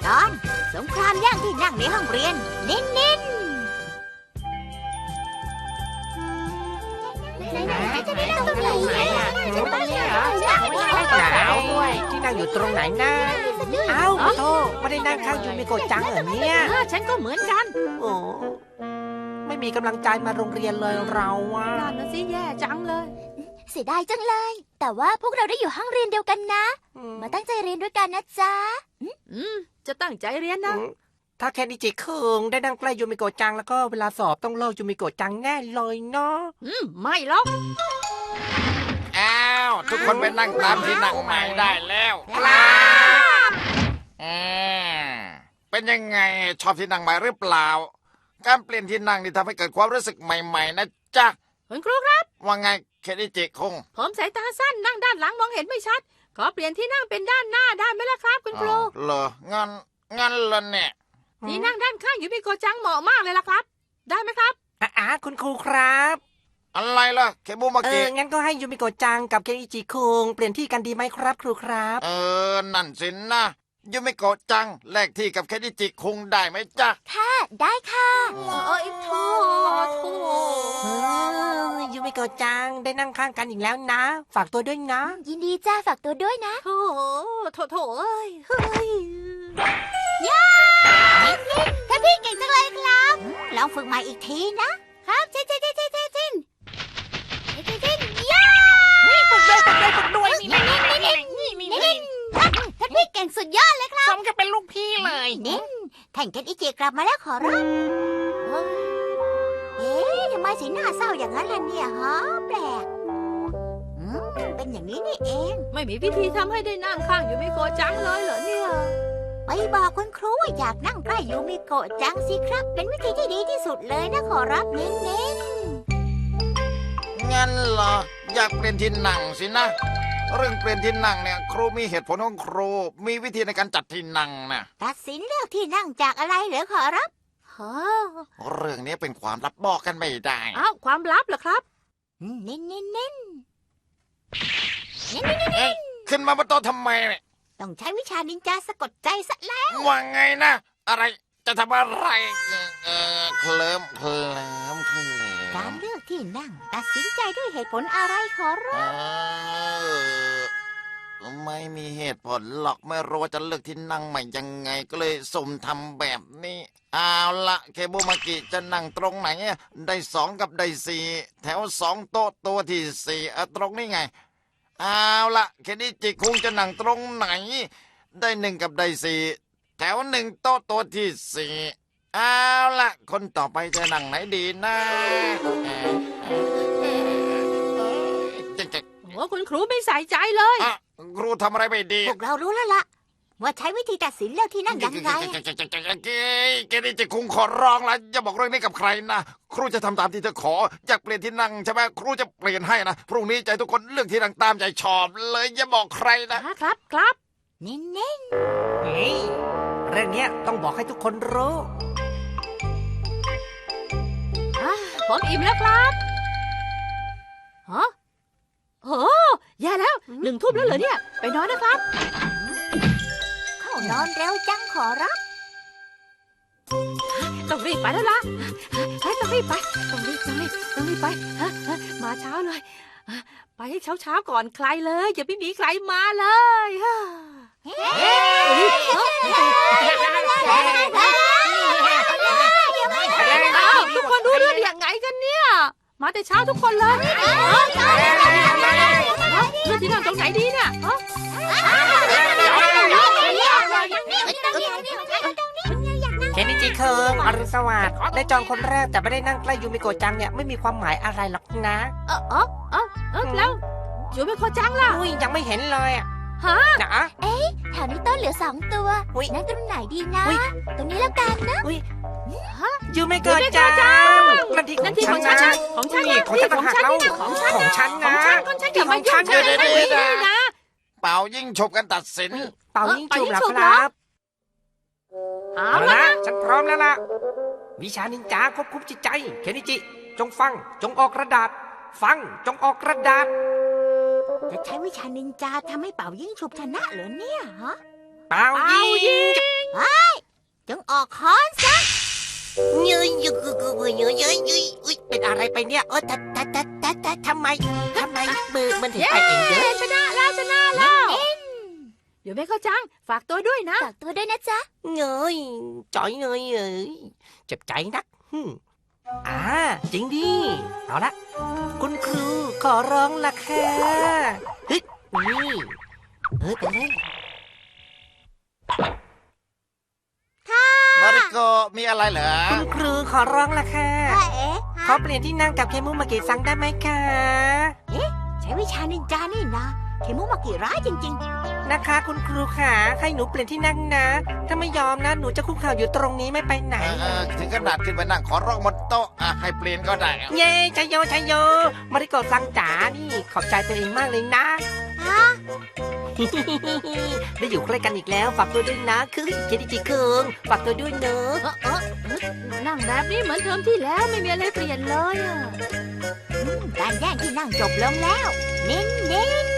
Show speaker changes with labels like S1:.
S1: ตอนสงครามแย่งที่นั่งในห้องเรียนนินนินจะได้นั่งตรงไหน
S2: ตรงนี้เหรอหนาวด้วยที่นั่งอยู่ตรงไหนนะเอ้าโธ่ไม่ได้นั่งข้างยูมิโกะจังเหรอเนี่ย
S1: ฉันก็เหมือนกัน
S2: โอ้ไม่มีกำลังใจมาโรงเรียนเลยเราอะ
S1: นั่นน่ะสิแย่จังเลย
S3: เสียดายจังเลย แต่ว่าพวกเราได้อยู่ห้องเรียนเดียวกันนะ มาตั้งใจเรียนด้วยกันนะจ๊ะ
S1: จะตั้งใจเรียนนะ
S2: ถ้าแค่นิจิคุงได้นั่งใกล้ยูมิโกะจังแล้วก็เวลาสอบต้องเลิกยูมิโกะจังแน่เลยเนาะ
S1: ไม่หรอก
S4: อ้าวทุกคนไปนั่งตามที่นั่งใหม่ได้แล้วเป็นยังไงชอบที่นั่งใหม่หรือเปล่าการเปลี่ยนที่นั่งนี่ทำให้เกิดความรู้สึกใหม่ๆนะจ๊ะ
S1: คุณครูครับ
S4: ว่าไงเคนิจิคุง
S1: ผมสายตาสั้นนั่งด้านหลังมองเห็นไม่ชัดขอเปลี่ยนที่นั่งเป็นด้านหน้าได้ไหมล่ะครับคุณครู
S4: เหรองั้นล่ะเนี่ย
S1: ที่นั่งด้านข้างยูมิโกะจังเหมาะมากเลยล่ะครับได้ไหมครับ
S2: คุณครูครับ
S4: อะไรล่ะเคบุมากิ
S2: งั้นก็ให้ยูมิโกะจังกับเคนิจิคุงเปลี่ยนที่กันดีไหมครับครูครับ
S4: นั่นสินะยูมิโกะจังแลกที่กับเคนิจิคุงได้ไหมจ๊ะ
S3: ค่ะได้ค่ะ
S1: โธ่
S2: ยูมิโกะจังได้นั่งข้างกันอีกแล้วนะฝากตัวด้วยนะ
S3: ยินดีจ้าฝากตัวด้วยนะ
S1: โถเอ้ยเฮ้ย
S3: ย่าท่านพี่เก่งจังเลยครับลองฝึกใหม่อีกทีนะครับเช่นย่า
S2: ฝึกด้วย
S3: นี่ท่านพี่เก่งสุดยอดเลยครับ
S2: สมกับเป็นลูกพี่เลย
S3: นินแท่งเกนอิจิกลับมาแล้วขอรับทำไมสีหน้าเศร้าอย่างนั้นล่ะเนี่ยฮะแปลกเป็นอย่างนี้นี่เอง
S1: ไม่มีวิธีทำให้ได้นั่งข้างยูมิโกะจังเลยเหรอเนี่ย
S3: ไปบอกคุณครูว่าอยากนั่งใกล้ยูมิโกะจังสิครับเป็นวิธีที่ดีที่สุดเลยนะขอรับเน้น
S4: งั้นเหรออยากเปลี่ยนที่นั่งสินะเรื่องเปลี่ยนที่นั่งเนี่ยครูมีเหตุผลของครูมีวิธีในการจัดที่นั่งนะ
S3: ตัดสินเลือกที่นั่งจากอะไรเหรอขอรับ
S4: เรื่องนี้เป็นความลับบอกกันไม่ได้
S1: ความลับเหรอครับ
S3: เน้น
S4: ขึ้นมาบนโต๊ะทำไม
S3: ต้องใช้วิชานินจาสะกดใจซะแล้ว
S4: ว่าไงนะอะไรจะทำอะไรเคลิ้ม
S3: การเลือกที่นั่งตัดสินใจด้วยเหตุผลอะไรขอรับ
S4: ไม่มีเหตุผลหรอกไม่รู้ว่าจะเลือกที่นั่งใหม่ยังไงก็เลยสุ่มทำแบบนี้เอาละเคบุมากิจะนั่งตรงไหนได้2กับได้4แถว2โต๊ะตัวที่4ตรงนี้ไงเอาละเคนิจิคุงจะนั่งตรงไหนได้1กับได้4แถว1โต๊ะตัวที่4เอาละคนต่อไปจะนั่งไหนดีนะ
S1: คุณครูไม่ใส่ใจเลย
S4: ครูทำอะไรไม่ดี
S3: พวกเรารู้แล้วล่ะว่าใช้วิธีตัดสินเลือกที่นั่งยังไง
S4: แกนี่จะคงขอร้องแล้วอย่าบอกเรื่องนี้กับใครนะครูจะทำตามที่เธอขออยากเปลี่ยนที่นั่งใช่ไหมครูจะเปลี่ยนให้นะพรุ่งนี้ใจทุกคนเลือกที่นั่งตามใจชอบเลยอย่าบอกใคร
S1: นะครับ
S3: เน้น
S2: เรื่องนี้ต้องบอกให้ทุกคนรู้
S1: ผมอิ่มแล้วครับโอ้แย่แล้ว1 ทุ่มแล้วเหรอเนี่ยไปนอนนะครับ
S3: เข้านอนเร็วจังขอรับ
S1: ต้องรีบไปแล้วล่ะต้องรีบไปมาเช้าเลยไปให้เช้าก่อนใครเลยอย่าไม่มีใครมาเลยทุกคนรู้เรื่องยังไงกันเนี่ยมาแต่เช้าทุกคนเลยเลือกที่นั่งตรงไหนดีเนี่ย
S2: เคนิจิคุงอรุณสวัสดิ์ได้จองคนแรกแต่ไม่ได้นั่งใกล้ยูมิโกะจังเนี่ยไม่มีความหมายอะไรหรอกนะ
S1: แล้วยูมิโกะจังล่ะ
S2: ยังไม่เห็นเลย
S3: นะแถวนี้ต้นเหลือ2 ตัวนั่งตรงไหนดีนะตรงนี้แล้วกันนะ
S2: ยูมิโกะจังนั่นที่ของฉันนะของฉันนะ
S1: อย่ามายุ่ง
S4: นะเป่ายิ่งฉบกันตัดสิน
S2: เป่ายิ่งฉุบแล้วครับเอาละฉันพร้อมแล้วล่ะวิชานินจาควบคุมจิตใจเคนิจิจงฟังจงออกกระดาษฟังจงออกกระดาษ
S3: จะใช้วิชานินจาทำให้เป่ายิ่งฉุบชนะเหรอเนี่ยฮะ
S2: เป่ายิ่ง
S3: ค้อนซะ
S2: เย้ยเย้ยเย้ยเย้ยเย้ยอุ๊ยเป็นอะไรไปเนี่ยแต่ทำไมมือมันถึงไปเองเยอะ
S1: ชนะแล้วเดี๋ยวแม่เข้าจังฝากตัวด้วยนะ
S3: ฝากตัวด้วยนะจ๊ะ
S2: เงยจ่อยเงยเอ้ยเจ็บใจนักจริงดิเอาละคุณครูขอร้องละค่ะเฮ้ยนี่เป็นไง
S4: มาริโกมีอะไรเหรอ
S2: คุณครูขอร้องละค่ะ
S3: เอ๊ะ
S2: ขอเปลี่ยนที่นั่งกับเคมุมาเกะซังได้ไหมคะ
S3: ใช้วิชานินจานี่นะเคมุมากิร้ายจริง
S2: นะคะคุณครูค่ะให้หนูเปลี่ยนที่นั่งนะ ถ้าไม่ยอมนะหนูจะคุกเข่าอยู่ตรงนี้ไม่ไปไหน
S4: ถึงขนาดขึ้นไปนั่งขอร้องบนโต๊ะให้เปลี่ยนก็ได้
S2: เย้ชัยโยชัยโยมาริโกะซังจ๋านี่ขอบใจตัวเองมากเลยนะ
S3: ๆฮะ
S2: ได้อยู่ใกล้กันอีกแล้วฝากตัวด้วยนะคือเคดิจิคุงฝากตัวด้วยเนอะ
S1: นั่งแบบนี้เหมือนเทอมที่แล้วไม่มีอะไรเปลี่ยนเลยอะ
S3: การแย่งที่นั่งจบลงแล้ว เน้น